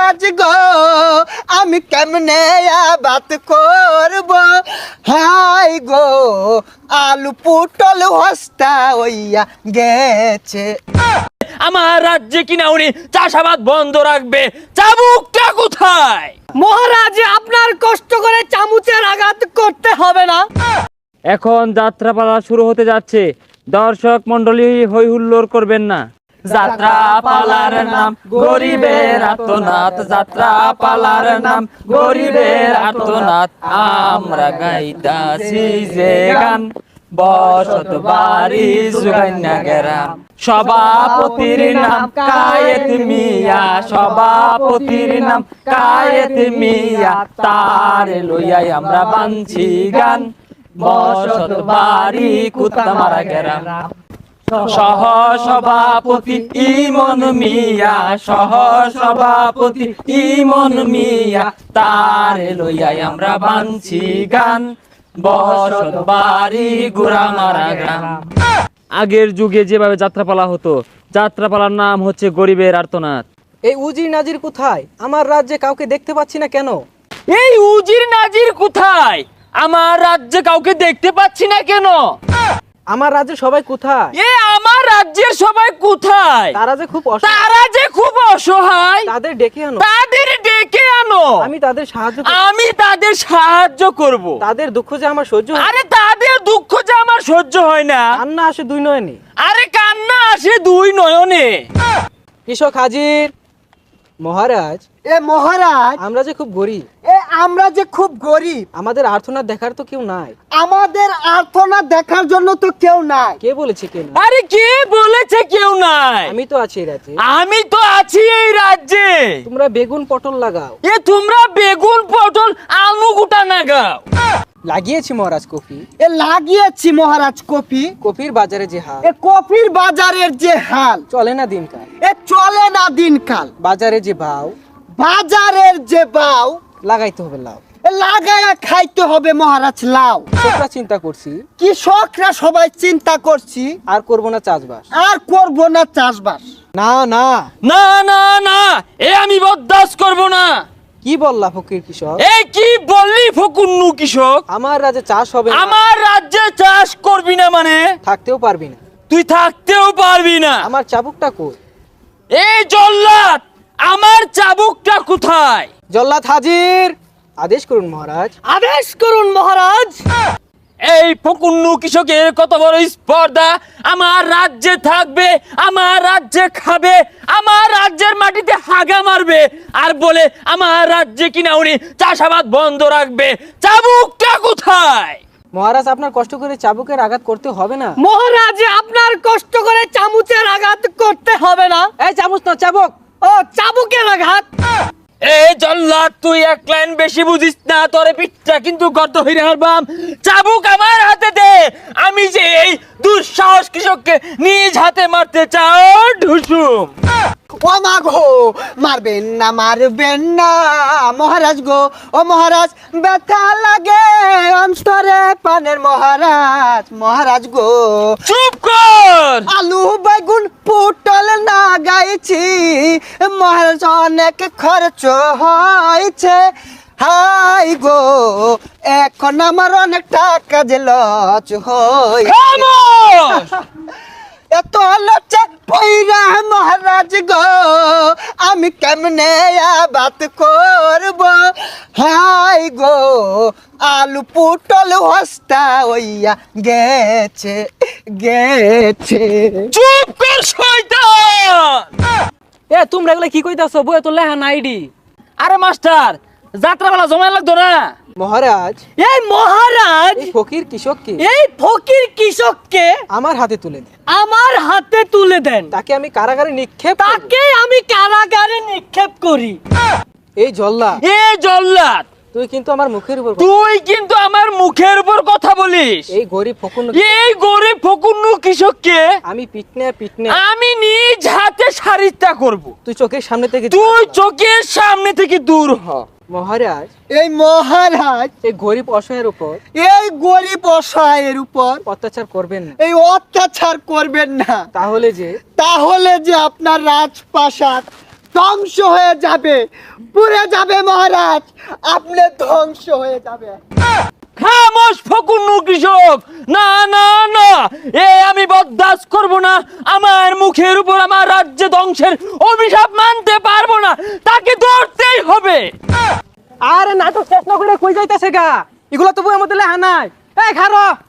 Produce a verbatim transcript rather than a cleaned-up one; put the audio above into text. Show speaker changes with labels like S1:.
S1: মহারাজ গো আমি কেমনে বাত করব হাই গো আলু পুটল হস্তা হইয়া গেছে।
S2: আমার রাজ্যে কিনা উনি চাষাবাদ বন্ধ রাখবে, চাবুকটা কোথায়?
S3: মহারাজ আপনার কষ্ট করে চামচের আঘাত করতে হবে না।
S2: এখন যাত্রাপালা শুরু হতে যাচ্ছে, দর্শক মন্ডলী হই হুল্লোড় করবেন না। যাত্রা পালার নাম গরিবের আর্তনাদ, যাত্রা পালার নাম গরিবের আর্তনাদ, আমরা গাইতাছি যে গান বসত বাড়ি সুগান্যা গেরাম। সভাপতির নাম কায়েত মিয়া, সভাপতির নাম কায়েত মিয়া, তার লইয়াই আমরা বানছি গান বসত বাড়ি কুত্তামারা গেরাম। সহ সভাপতি ইমন মিয়া, সহ সভাপতি ইমন মিয়া, তার লইয়াই আমরা বানছি গান বসত বাড়ি গুড়ামারা গ্রাম। আগের যুগে যেভাবে যাত্রাপালা হতো, যাত্রাপালার নাম হচ্ছে গরিবের আর্তনাদ।
S3: এই উজির নাজির কোথায়? আমার রাজ্যে কাউকে দেখতে পাচ্ছি না কেন?
S2: এই উজির নাজির কোথায়? আমার রাজ্যে কাউকে দেখতে পাচ্ছি না কেন?
S3: আমার রাজ্যে সবাই কোথায়?
S2: এ আমার রাজ্যের সবাই কোথায়?
S3: তারা যে খুব অসহায়,
S2: তারা যে খুব অসহায়,
S3: তাদের ডেকে আনো,
S2: তাদের ডেকে আনো,
S3: আমি তাদের সাহায্য করব।
S2: আমি তাদের সাহায্য করব।
S3: তাদের দুঃখ যে আমার সহ্য হয় না।
S2: আরে তাদের দুঃখ যে আমার সহ্য হয় না।
S3: কান্না আসে দুই নয়নে।
S2: আরে কান্না আসে দুই নয়নে।
S3: কৃষক হাজির। মহারাজ,
S1: এ মহারাজ
S3: আমরা যে খুব গরিব,
S1: এ আমরা যে খুব গরিব,
S3: আমাদের আর্তনাদ দেখার তো কেউ নাই।
S1: আমাদের আর্তনাদ দেখার জন্য তো কেউ নাই।
S3: কে বলেছে কেউ নাই?
S2: আরে কে বলেছে কেউ নাই?
S3: আমি তো আছি এই রাজ্যে।
S2: আমি তো আছি এই রাজ্যে।
S3: তোমরা বেগুন পটল লাগাও।
S2: এ তোমরা বেগুন পটল আলু গুটা নাগাও।
S3: লাগিয়েছি মহারাজ কফি।
S1: এ লাগিয়েছি মহারাজ কফি।
S3: কফির বাজারে যে হাল,
S1: এ কফির বাজারের যে হাল,
S3: চলে না দিনকাল।
S1: এ চলে না দিনকাল।
S3: বাজারে যে ভাও,
S1: বাজারের যে বাও,
S3: লাগাইতে হবে লাউ।
S1: এ লাগায়া খাইতে হবে মহারাজ লাউ।
S3: কৃষকরা চিন্তা করছি,
S1: কৃষকরা সবাই চিন্তা করছি
S3: আর করব না চাষবাস।
S1: আর করব না চাষবাস।
S3: না না,
S2: না না না, এ আমি বরদাস্ত করব না।
S3: কি বললা ফকির কৃষক?
S2: এই কি বললি ফকুন্নু কৃষক?
S3: আমার রাজ্যে চাষ হবে না।
S2: আমার রাজ্যে চাষ করবি না মানে?
S3: থাকতেও পারবি না।
S2: তুই থাকতেও পারবি না।
S3: আমার চাবুকটা কই?
S2: এই জল্লাদ, আমার চাবুকটা কোথায়?
S3: জল্লাদ হাজির। আদেশ করুন মহারাজ।
S1: আদেশ করুন মহারাজ।
S2: এই ফকুন্নু কৃষকের কত বড় স্পর্ধা! আমার রাজ্যে থাকবে, আমার রাজ্যে খাবে, আমার রাজ্যের মাটিতে হাগা মারবে, আর বলে আমার রাজ্যে কিনা উনি চাষাবাদ বন্ধ রাখবে। চাবুকটা কোথায়?
S3: মহারাজ, আপনার কষ্ট করে চাবুকের আঘাত করতে হবে না।
S1: মহারাজ আপনার কষ্ট করে চামচের আঘাত করতে হবে না।
S3: এই চামচ না, চাবুক।
S1: ও চাবুকের আঘাত।
S2: এই জল্লাদ, তুই এক লাইন বেশি বুঝিস না, তোরে পিঠটা কিন্তু গর্ত হইরে হারবাম। চাবুক আমার হাতে দে। আমি যে এই দুঃসাহস কৃষককে নিজ হাতে মারতে চাও ঢুসুম।
S1: ও মা গো, মারবেন না মারবেন না মহারাজ গো। ও মহারাজ, ব্যথা লাগে অন্তরে পানের মহারাজ। মহারাজ গো,
S2: চুপ কর।
S1: আলু বেগুন পুটল না গাইছি মহারাজ, অনেক খরচ হয়েছে। হাই গো, এখন আমার অনেক টাকা যে লচ হই।
S2: খামোশ!
S1: এত লজ্জা পইরা মহারাজ গো আমি কেমনে বাত করব হাই গো আলু পুটল হস্তা হইয়া গেছে গেছে।
S2: চুপ কর শয়তান!
S3: এ তোমরা এগুলা কি কইতাছো? বই তো লেহা নাইডি।
S2: আরে মাস্টার, যাত্রাবেলা জমা লাগতো না?
S3: মহারাজ,
S1: এই মহারাজ,
S3: এই ফকির কৃষককে
S1: এই ফকির কৃষককে
S3: আমার হাতে তুলে দেন।
S1: আমার হাতে তুলে দেন।
S3: তাকে আমি কারাগারে নিক্ষেপ করব।
S1: তাকে আমি কারাগারে নিক্ষেপ করি।
S3: এই জল্লা,
S2: এ জল্লাদ,
S3: তুই কিন্তু আমার মুখের উপর,
S2: তুই কিন্তু আমার মুখের উপর কথা বলিস।
S3: এই গরিব ফকুন্নু,
S2: এই গরিব ফকুন্নু কৃষককে
S3: আমি পিটনে পিটনে
S2: আমি নিজ হাতে সারিতা করব।
S3: তুই চোখের সামনে থেকে,
S2: তুই চোখের সামনে থেকে দূর হ।
S3: মহারাজ,
S1: এই মহারাজ
S3: এই গরিব অসহায়ের উপর
S1: এই গরিব অসহায়ের উপর
S3: অত্যাচার করবেন না।
S1: এই অত্যাচার করবেন না।
S3: তাহলে যে
S1: তাহলে যে আপনার রাজপ্রাসাদ ধ্বংস হয়ে যাবে, পুড়ে যাবে মহারাজ, আপনি ধ্বংস হয়ে যাবে।
S2: খামোশ ফকুন্নু কৃষক, না না না, এ আমি বরদাস্ত করব না। আমার মুখের উপর আমার রাজ্য ধ্বংসের অভিশাপ মানতে পারবো না, তাকে ধরতেই হবে।
S3: আরে নাটক শেষ না করে কই যাইতেছে গা, এগুলো তো বইয়ের মধ্যে লেখা নাই। এই খারো